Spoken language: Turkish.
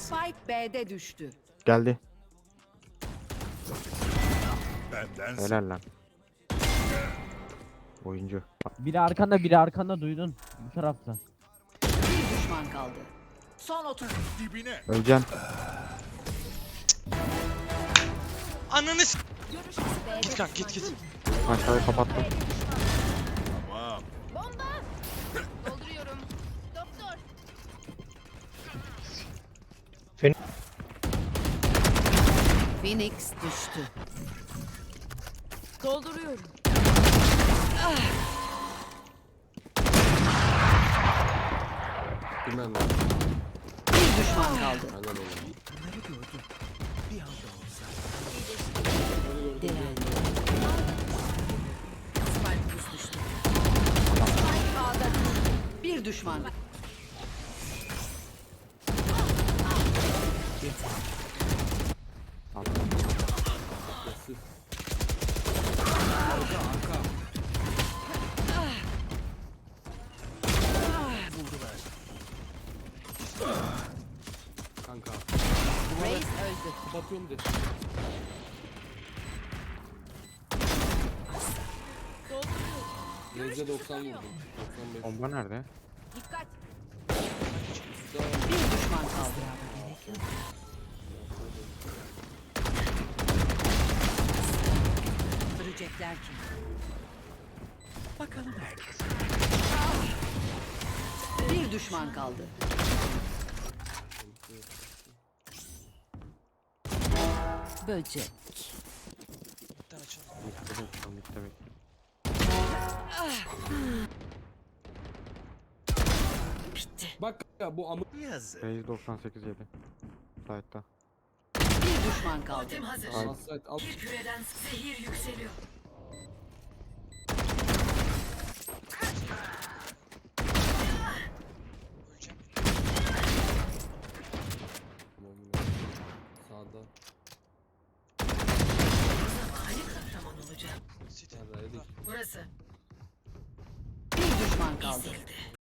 Spike B'de düştü. Geldi. Benden Helal lan. Oyuncu. Biri arkanda duydun. Bu tarafta. Bir düşman kaldı. Son 30. dibine. Öleceğim. Ananı s***. Görüş B'de Git kanka git. Aşağıya kapattım. Tamam. Bomba. Dolduruyorum. Doktor. Phoenix düştü. Dolduruyorum. Bilmem lan. Bir düşman kaldı. Aynen öyle. Spike kız düştü. Spike A'da düştü. Bir düşman. Nasıl? Kanka. Reis öldü. Kapatıyorum de. Reis'e 90 vurdum. 95. Bomba nerede? Dikkat. Daha Bir düşman kaldı. Öldürecekler ki. Bakalım herkes. Bir düşman kaldı. Böcek. Bir tane açalım. Bitti bekliyorum, bitti bekliyorum. Bitti. bak ya bu amı. Yazık. Reis 98 yedi. Site'da. Bir düşman kaldı. Ay. Alsayt al. Küreden zehir yükseliyor. Öleceğim. Sağda. Tamam olacak. City. Nerede? Burası. Bir düşman kaldı.